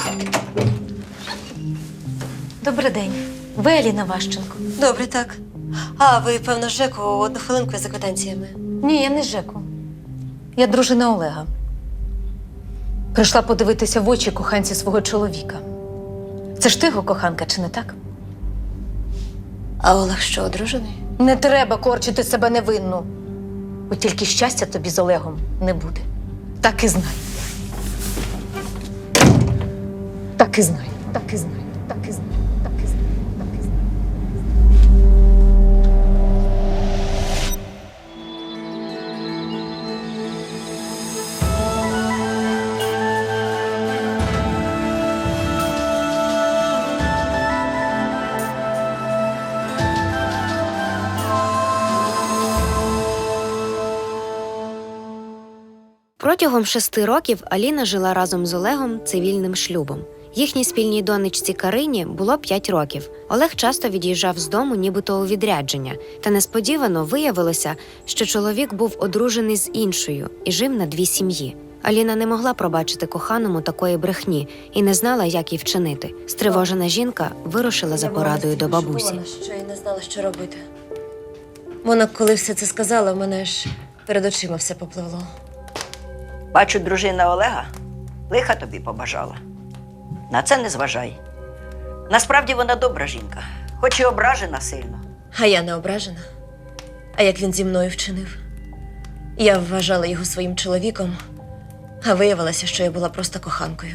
Добрий день. Ви Аліна Ващенко? Добре, так. А, ви, певно, з ЖЕКу, одну хвилинку за квитанціями. Ні, я не з ЖЕКу. Я дружина Олега. Прийшла подивитися в очі коханці свого чоловіка. Це ж ти його коханка, чи не так? А Олег що, одружений? Не треба корчити себе невинну. От тільки щастя тобі з Олегом не буде. Так і знай. Так і знай. Так і знай. Так і знай. Так і знай. Так і знай. Протягом 6 років Аліна жила разом з Олегом цивільним шлюбом. Їхній спільній донечці Карині було 5 років. Олег часто від'їжджав з дому нібито у відрядження, та несподівано виявилося, що чоловік був одружений з іншою і жив на 2 сім'ї. Аліна не могла пробачити коханому такої брехні і не знала, як їй вчинити. Стривожена жінка вирушила за порадою до бабусі. Я що я не знала, що робити. Вона, коли все це сказала, в мене ж перед очима все попливло. Бачу, дружина Олега лиха тобі побажала. На це не зважай. Насправді вона добра жінка, хоч і ображена сильно. А я не ображена. А як він зі мною вчинив? Я вважала його своїм чоловіком, а виявилося, що я була просто коханкою.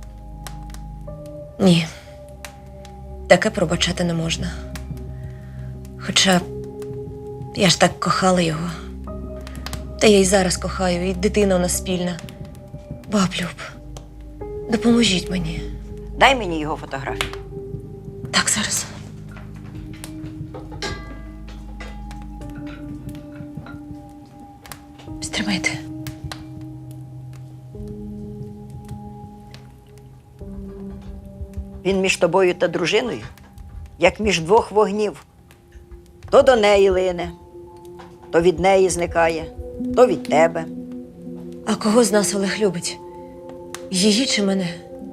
Ні, таке пробачати не можна. Хоча я ж так кохала його. Та я й зараз кохаю, і дитина у нас спільна. Баб Люб, допоможіть мені. Дай мені його фотографію. Так, зараз. Стримайте. Він між тобою та дружиною, як між 2 вогнів. То до неї лине, то від неї зникає, то від тебе. А кого з нас Олег любить? Її чи мене?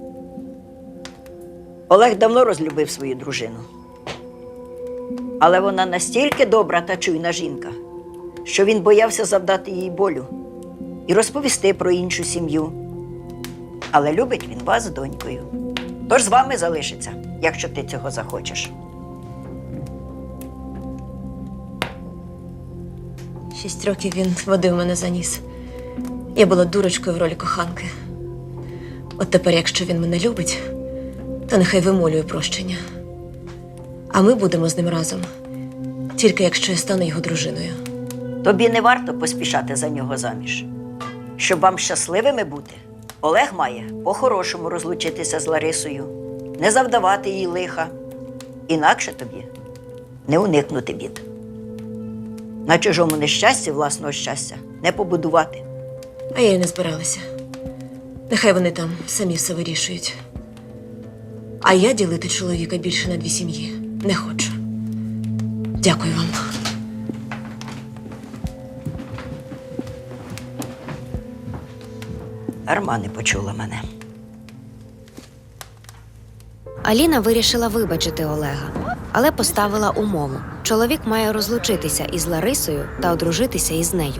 Олег давно розлюбив свою дружину. Але вона настільки добра та чуйна жінка, що він боявся завдати їй болю і розповісти про іншу сім'ю. Але любить він вас з донькою. Тож з вами залишиться, якщо ти цього захочеш. 6 років він водив мене за ніс. Я була дурочкою в ролі коханки. От тепер, якщо він мене любить, то нехай вимолює прощення. А ми будемо з ним разом, тільки якщо я стану його дружиною. Тобі не варто поспішати за нього заміж. Щоб вам щасливими бути, Олег має по-хорошому розлучитися з Ларисою, не завдавати їй лиха. Інакше тобі не уникнути бід. На чужому нещасті власного щастя не побудувати. А я й не збиралася. Нехай вони там самі все вирішують. А я ділити чоловіка більше на 2 сім'ї не хочу. Дякую вам. Дарма не почула мене. Аліна вирішила вибачити Олега, але поставила умову. Чоловік має розлучитися із Ларисою та одружитися із нею.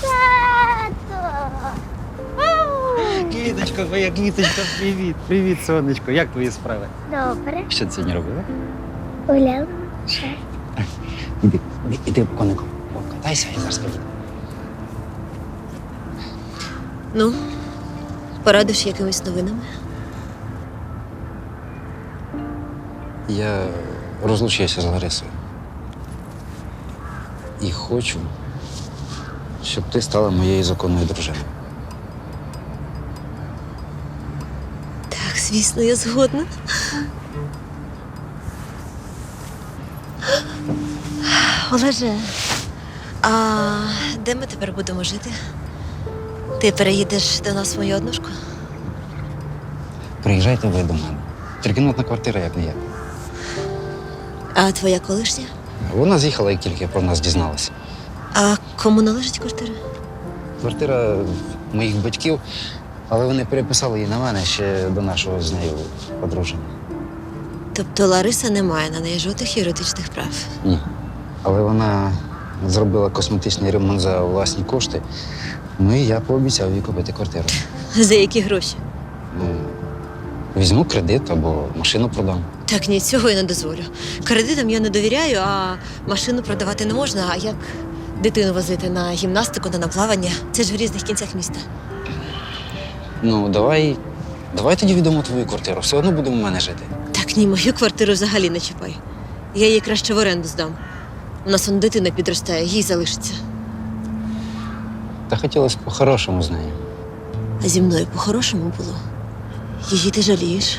Квіточко, моя квіточка, привіт. Привіт, сонечко. Як твої справи? Добре. Що ти сьогодні робила? Гуляв. Іди, конику, покатайся і зараз піду. Ну, порадиш якимись новинами? Я розлучився з Ларисою. І хочу, щоб ти стала моєю законною дружиною. Так, звісно, я згодна. Олеже, а де ми тепер будемо жити? Ти переїдеш до нас в мою однушку? Приїжджайте ви до мене. Трикімнатна квартира, як не є. А твоя колишня? Вона з'їхала, як тільки про нас дізналася. А кому належить квартира? Квартира моїх батьків, Але вони переписали її на мене ще до нашого з нею одруження. Тобто Лариса не має на неї жодних юридичних прав. Ні. Але вона зробила косметичний ремонт за власні кошти. Ну і я пообіцяв їй купити квартиру. За які гроші? Ну, візьму кредит або машину продам. Так, ні, цього я не дозволю. Кредитам я не довіряю, а машину продавати не можна. А як дитину возити на гімнастику, на плавання? Це ж в різних кінцях міста. Ну, давай тоді віддамо твою квартиру. Все одно будемо у мене жити. Так, ні, мою квартиру взагалі не чіпай. Я її краще в оренду здам. У нас он дитина підростає, їй залишиться. Та хотілося б по-хорошому з нею. А зі мною по-хорошому було. Її ти жалієш.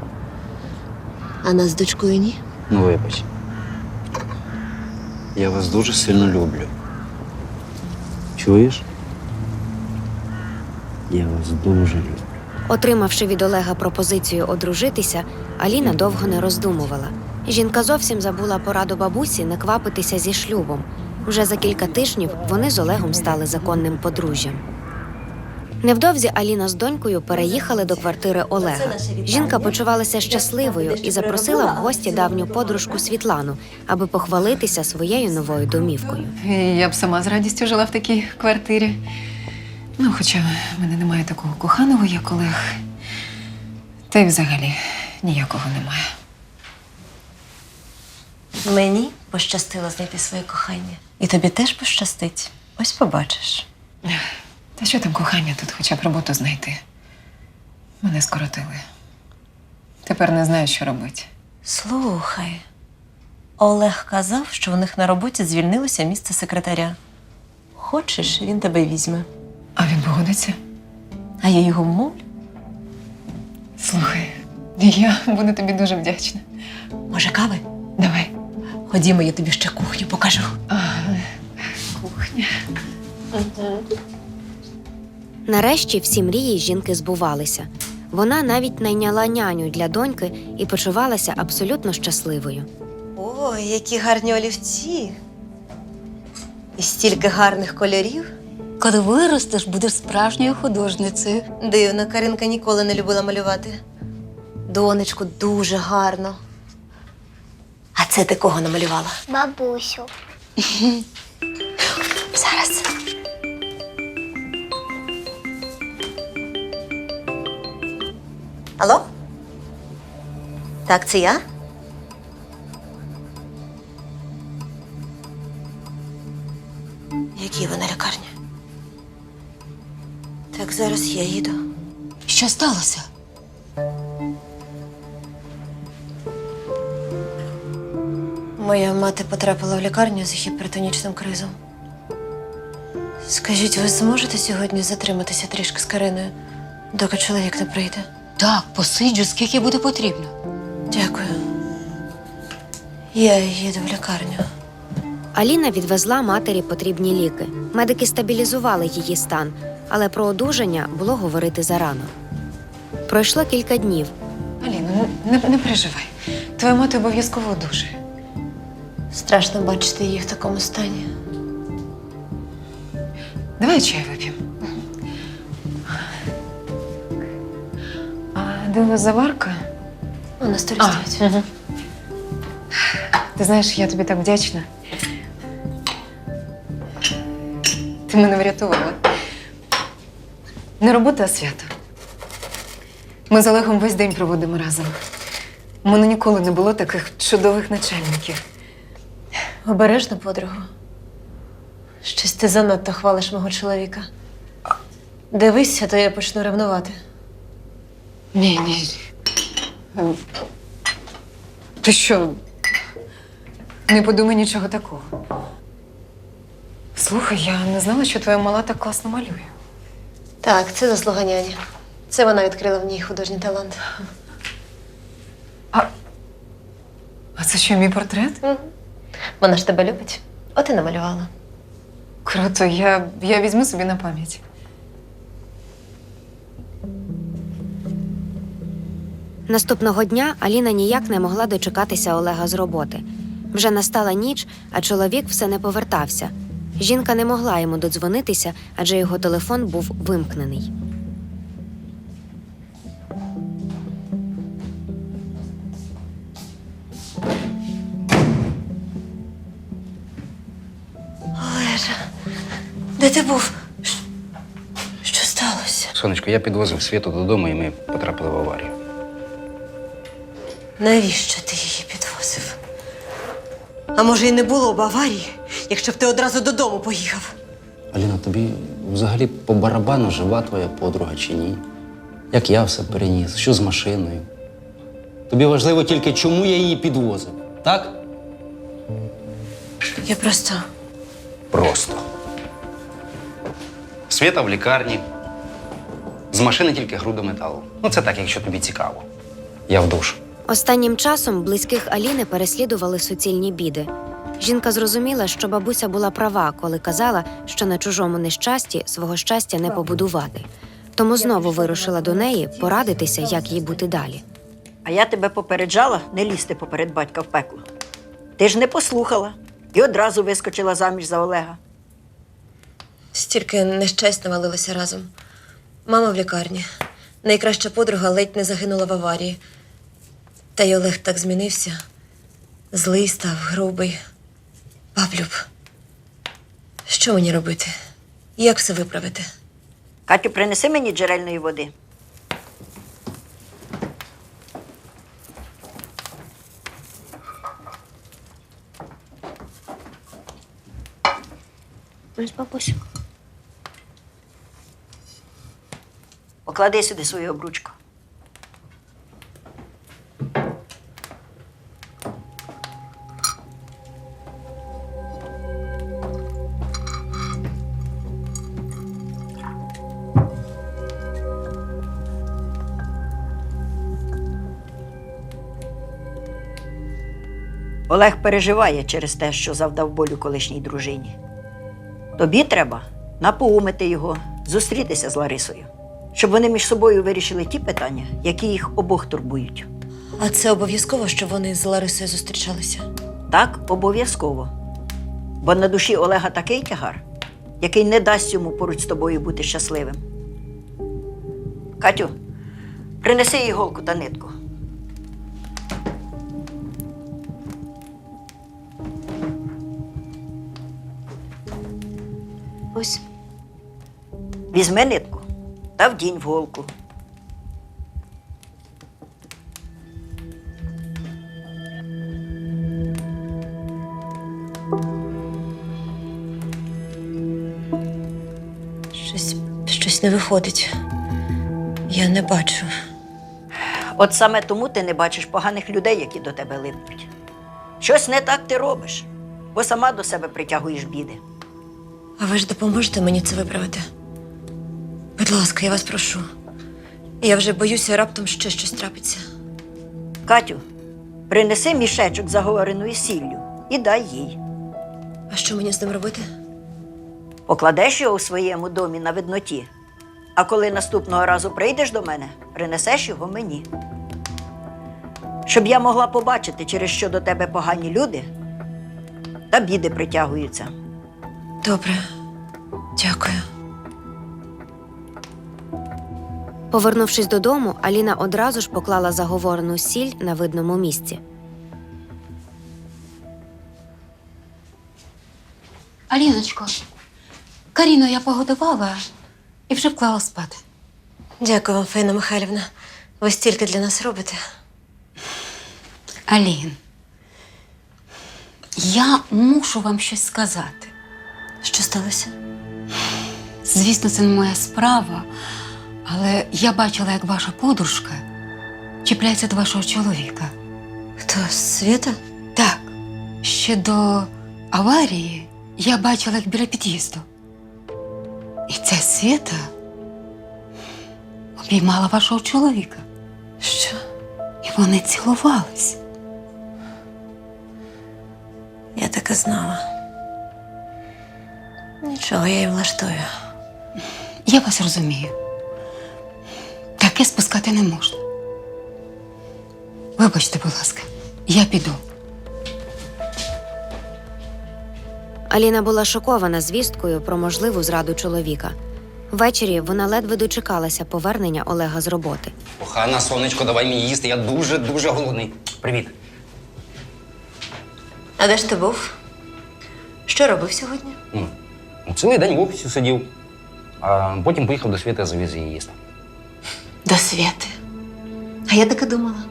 А нас з дочкою ні. Ну, вибач. Я вас дуже сильно люблю. Чуєш? Я вас дуже люблю. Отримавши від Олега пропозицію одружитися, Аліна довго не роздумувала. Жінка зовсім забула пораду бабусі не квапитися зі шлюбом. Вже за кілька тижнів вони з Олегом стали законним подружжям. Невдовзі Аліна з донькою переїхали до квартири Олега. Жінка почувалася щасливою і запросила в гості давню подружку Світлану, аби похвалитися своєю новою домівкою. Я б сама з радістю жила в такій квартирі. Ну, хоча в мене немає такого коханого, як Олег. Та й взагалі ніякого немає. Мені пощастило знайти своє кохання. І тобі теж пощастить. Ось побачиш. Та що там кохання тут, хоча б роботу знайти? Мене скоротили. Тепер не знаю, що робити. Слухай, Олег казав, що в них на роботі звільнилося місце секретаря. Хочеш, він тебе візьме. А він погодиться? А я його вмовлю. Слухай, я буду тобі дуже вдячна. Може, кави? Давай. Ходімо, я тобі ще кухню покажу. Кухня. Нарешті всі мрії жінки збувалися. Вона навіть найняла няню для доньки і почувалася абсолютно щасливою. Ой, які гарні олівці. І стільки гарних кольорів. Коли виростеш, будеш справжньою художницею. Дивно, Каринка ніколи не любила малювати. Донечку, дуже гарно. А це ти кого намалювала? Бабусю. Зараз. Алло? Так, це я? Які вона лікарня? Так, зараз я їду. Що сталося? Моя мати потрапила в лікарню з гіпертонічним кризом. Скажіть, ви зможете сьогодні затриматися трішки з Кариною, доки чоловік не прийде? Так, посиджу, скільки буде потрібно. Дякую. Я їду в лікарню. Аліна відвезла матері потрібні ліки. Медики стабілізували її стан, але про одужання було говорити зарано. Пройшло кілька днів. Аліна, не переживай. Твоя мати обов'язково одужає. Страшно бачити її в такому стані. Давай чай вип'ємо. А де у вас заварка? У нас столі стоять. Угу. Ти знаєш, я тобі так вдячна. Ти мене врятувала. Не робота, а свято. Ми з Олегом весь день проводимо разом. У мене ніколи не було таких чудових начальників. Обережно, подругу. Щось ти занадто хвалиш мого чоловіка. Дивись, а то я почну ревнувати. Ні. Ти що? Не подумай нічого такого. Слухай, я не знала, що твоя мала так класно малює. Так, це заслуга няні. Це вона відкрила в ній художній талант. А це що, мій портрет? Вона ж тебе любить. От і намалювала. Круто, я візьму собі на пам'ять. Наступного дня Аліна ніяк не могла дочекатися Олега з роботи. Вже настала ніч, а чоловік все не повертався. Жінка не могла йому додзвонитися, адже його телефон був вимкнений. Олежа, де ти був? Що сталося? Сонечко, я підвозив Світу додому, і ми потрапили в аварію. Навіщо ти її підвозив? А може, і не було б аварії, якщо б ти одразу додому поїхав? Аліна, тобі взагалі по барабану жива твоя подруга чи ні? Як я все переніс? Що з машиною? Тобі важливо тільки, чому я її підвозив, так? Я просто. Просто. Світа в лікарні. З машини тільки груда металу. Ну, це так, якщо тобі цікаво. Я в душ. Останнім часом близьких Аліни переслідували суцільні біди. Жінка зрозуміла, що бабуся була права, коли казала, що на чужому нещасті свого щастя не побудувати. Тому знову вирушила до неї порадитися, як їй бути далі. А я тебе попереджала не лізти поперед батька в пекло. Ти ж не послухала і одразу вискочила заміж за Олега. Стільки нещасть навалилося разом. Мама в лікарні. Найкраща подруга ледь не загинула в аварії. Та й Олег так змінився. Злий став, грубий. Баблюб, що мені робити? Як все виправити? Катю, принеси мені джерельної води. Ось бабусю. Поклади сюди свою обручку. Олег переживає через те, що завдав болю колишній дружині. Тобі треба напоумити його, зустрітися з Ларисою, щоб вони між собою вирішили ті питання, які їх обох турбують. А це обов'язково, щоб вони з Ларисою зустрічалися? Так, обов'язково. Бо на душі Олега такий тягар, який не дасть йому поруч з тобою бути щасливим. Катю, принеси іголку та нитку. Ось. Візьми нитку та вдінь в голку. Щось не виходить. Я не бачу. От саме тому ти не бачиш поганих людей, які до тебе липнуть. Щось не так ти робиш, бо сама до себе притягуєш біди. А ви ж допоможете мені це виправити? Будь ласка, я вас прошу. Я вже боюся, раптом ще щось трапиться. Катю, принеси мішечок з заговореною сіллю і дай їй. А що мені з ним робити? Покладеш його у своєму домі на видноті, а коли наступного разу прийдеш до мене, принесеш його мені. Щоб я могла побачити, через що до тебе погані люди та біди притягуються. Добре. Дякую. Повернувшись додому, Аліна одразу ж поклала заговорену сіль на видному місці. Аліночко, Каріну я погодувала і вже вклала спати. Дякую вам, Фаїна Михайлівна. Ви стільки для нас робите. Алін, я мушу вам щось сказати. Що сталося? Звісно, це не моя справа, але я бачила, як ваша подружка чіпляється до вашого чоловіка. Хто, Світа? Так, ще до аварії я бачила, як біля під'їзду. І ця Світа обіймала вашого чоловіка. Що? І вони цілувались. Я так і знала. Нічого, я їм влаштую. Я вас розумію. Таке спускати не можна. Вибачте, будь ласка, я піду. Аліна була шокована звісткою про можливу зраду чоловіка. Ввечері вона ледве дочекалася повернення Олега з роботи. Кохана, сонечко, давай мені їсти, я дуже голодний. Привіт. А де ж ти був? Що робив сьогодні? Цілий день в офісі сидів, а потім поїхав до Світи, завіз її їсти. До Свєти. А я таки думала.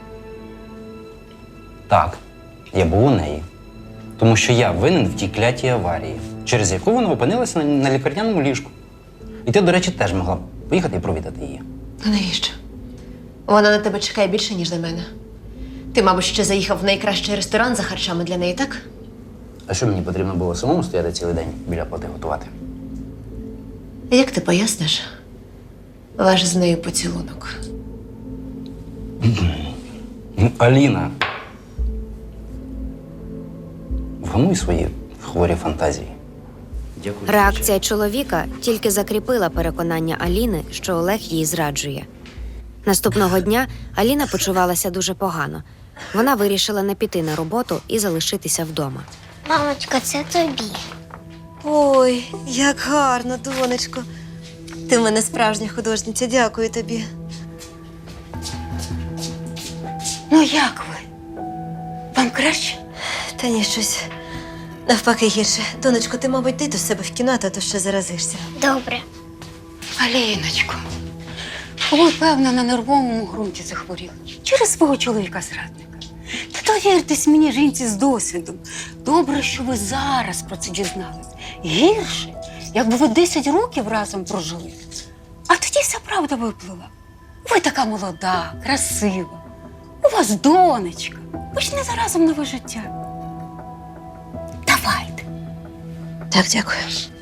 Так, я був у неї. Тому що я винен в тій клятій аварії, через яку вона опинилася на лікарняному ліжку. І ти, до речі, теж могла б поїхати і провідати її. А навіщо? Вона на тебе чекає більше, ніж на мене. Ти, мабуть, ще заїхав в найкращий ресторан за харчами для неї, так? А що мені потрібно було самому стояти цілий день біля плити готувати? Як ти поясниш ваш з нею поцілунок? Аліна. Вгамуй свої хворі фантазії. Дякую. Реакція чоловіка тільки закріпила переконання Аліни, що Олег її зраджує. Наступного дня Аліна почувалася дуже погано. Вона вирішила не піти на роботу і залишитися вдома. Мамочка, це тобі. Ой, як гарно, донечко. Ти в мене справжня художниця, дякую тобі. Ну як ви? Вам краще? Та ні, щось навпаки гірше. Донечко, ти, мабуть, йди до себе в кімнату, а то ще заразишся. Добре. Аліночко, ви, певно, на нервовому ґрунті захворіли. Через свого чоловіка-зрадника. Та довіртесь мені, жінці з досвідом. Добре, що ви зараз про це дізнались. Гірше, якби ви 10 років разом прожили. А тоді вся правда виплила. Ви така молода, красива. У вас донечка. Почнете разом нове життя. Давайте. Так, дякую.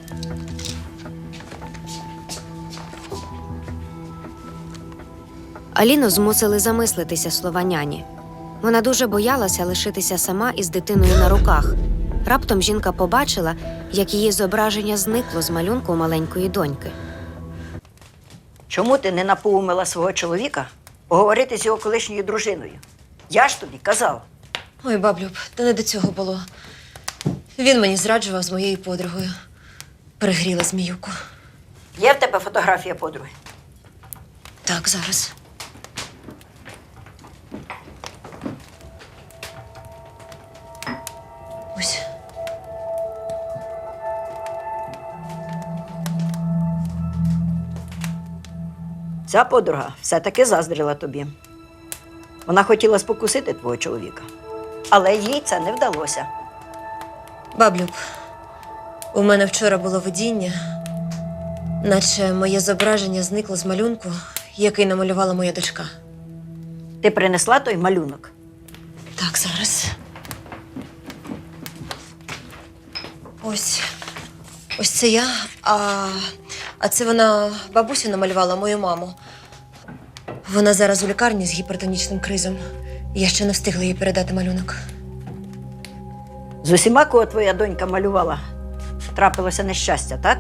Аліну змусили замислитися слова няні. Вона дуже боялася лишитися сама із дитиною на руках. Раптом жінка побачила, як її зображення зникло з малюнку маленької доньки. Чому ти не напоумила свого чоловіка поговорити з його колишньою дружиною? Я ж тобі казав. Ой, баблюб, та не до цього було. Він мені зраджував з моєю подругою. Перегріла зміюку. Є в тебе фотографія подруги? Так, зараз. Ось. Ця подруга все-таки заздрила тобі. Вона хотіла спокусити твого чоловіка, але їй це не вдалося. Баблюб, у мене вчора було видіння, наче моє зображення зникло з малюнку, який намалювала моя дочка. Ти принесла той малюнок? Так, зараз. Ось це я, а це вона бабусю намалювала, мою маму. Вона зараз у лікарні з гіпертонічним кризом. Я ще не встигла їй передати малюнок. З усіма, кого твоя донька малювала, трапилося нещастя, так?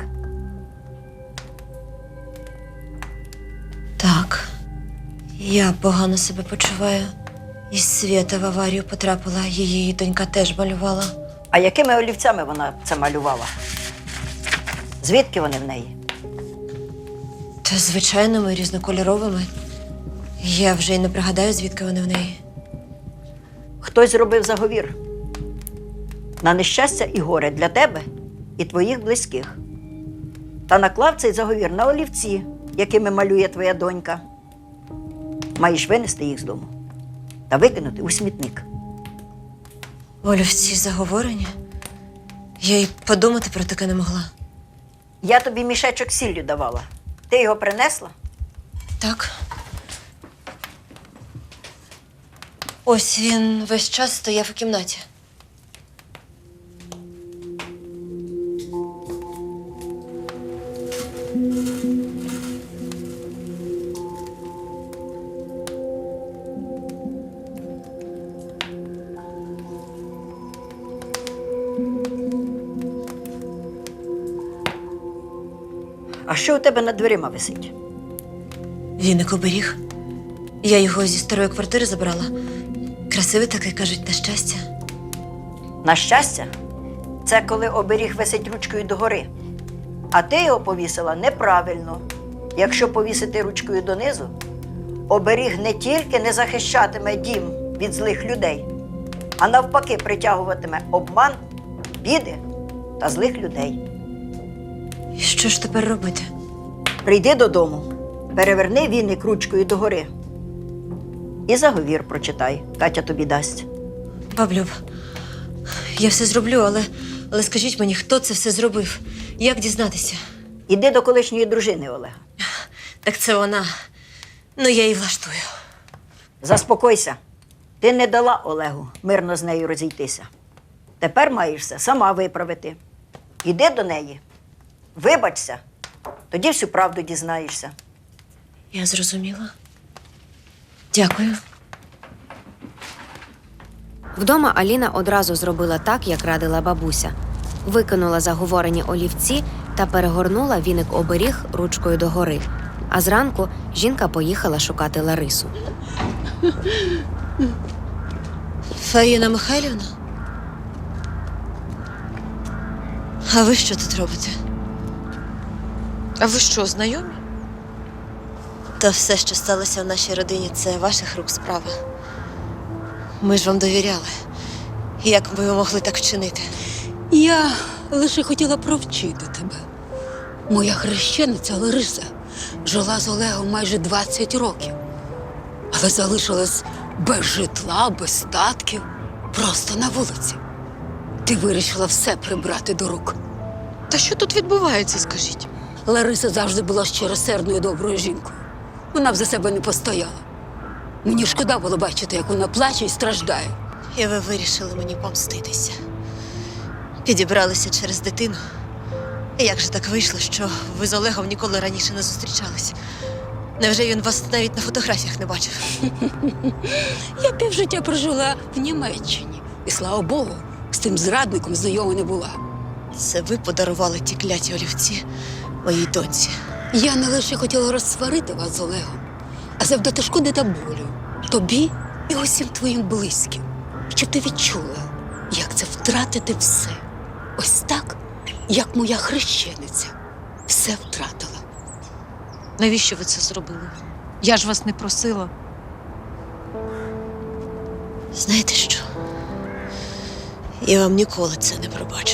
Так, я погано себе почуваю. І Свєта в аварію потрапила, її донька теж малювала. А якими олівцями вона це малювала? Звідки вони в неї? Та звичайними, різнокольоровими. Я вже й не пригадаю, звідки вони в неї. Хтось зробив заговір на нещастя і горе для тебе і твоїх близьких. Та наклав цей заговір на олівці, якими малює твоя донька. Маєш винести їх з дому та викинути у смітник. Олівці заговорені? Я й подумати про таке не могла. Я тобі мішечок з сіллю давала. Ти його принесла? Так. Ось він весь час стояв у кімнаті. А що у тебе над дверима висить? Віник оберіг. Я його зі старої квартири забрала. Красивий такий, кажуть, на щастя. На щастя, це коли оберіг висить ручкою догори. А ти його повісила неправильно. Якщо повісити ручкою донизу, оберіг не тільки не захищатиме дім від злих людей, а навпаки притягуватиме обман, біди та злих людей. І що ж тепер робити? Прийди додому, переверни віник ручкою догори і заговір прочитай. Катя тобі дасть. Баблюб, я все зроблю, але скажіть мені, хто це все зробив? Як дізнатися? Іди до колишньої дружини Олега. Так це вона. Ну, я її влаштую. Заспокойся. Ти не дала Олегу мирно з нею розійтися. Тепер маєш все сама виправити. Іди до неї, вибачся, тоді всю правду дізнаєшся. Я зрозуміла. Дякую. Вдома Аліна одразу зробила так, як радила бабуся. Викинула заговорені олівці та перегорнула віник-оберіг ручкою догори. А зранку жінка поїхала шукати Ларису. Фаїна Михайлівна? А ви що тут робите? А ви що, знайомі? Та все, що сталося в нашій родині, це ваших рук справа. Ми ж вам довіряли. Як би ви могли так вчинити? Я лише хотіла провчити тебе. Моя хрещениця Лариса жила з Олегом майже 20 років, але залишилась без житла, без статків, просто на вулиці. Ти вирішила все прибрати до рук. Та що тут відбувається, скажіть? Лариса завжди була щиросердною доброю жінкою. Вона б за себе не постояла. Мені шкода було бачити, як вона плаче і страждає. І ви вирішили мені помститися. Підібралися через дитину. І як же так вийшло, що ви з Олегом ніколи раніше не зустрічались? Невже він вас навіть на фотографіях не бачив? Я півжиття прожила в Німеччині. І, слава Богу, з тим зрадником знайома не була. Це ви подарували ті кляті олівці моїй доньці. Я не лише хотіла розсварити вас з Олегом, а завдати шкоди та болю тобі і усім твоїм близьким, щоб ти відчула, як це втратити все. Ось так, як моя хрещениця все втратила. Навіщо ви це зробили? Я ж вас не просила. Знаєте що? Я вам ніколи це не пробачу.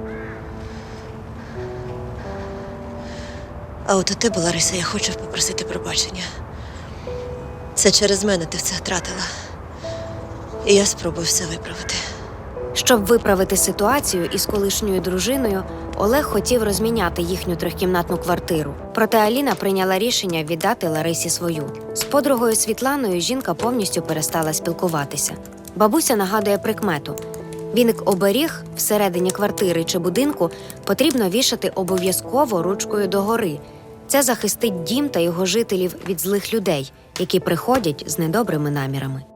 А от у тебе, Лариса, я хочу попросити пробачення. Це через мене ти все втратила. І я спробую все виправити. Щоб виправити ситуацію із колишньою дружиною, Олег хотів розміняти їхню трьохкімнатну квартиру. Проте Аліна прийняла рішення віддати Ларисі свою. З подругою Світланою жінка повністю перестала спілкуватися. Бабуся нагадує прикмету. Віник-оберіг всередині квартири чи будинку потрібно вішати обов'язково ручкою догори. Це захистить дім та його жителів від злих людей, які приходять з недобрими намірами.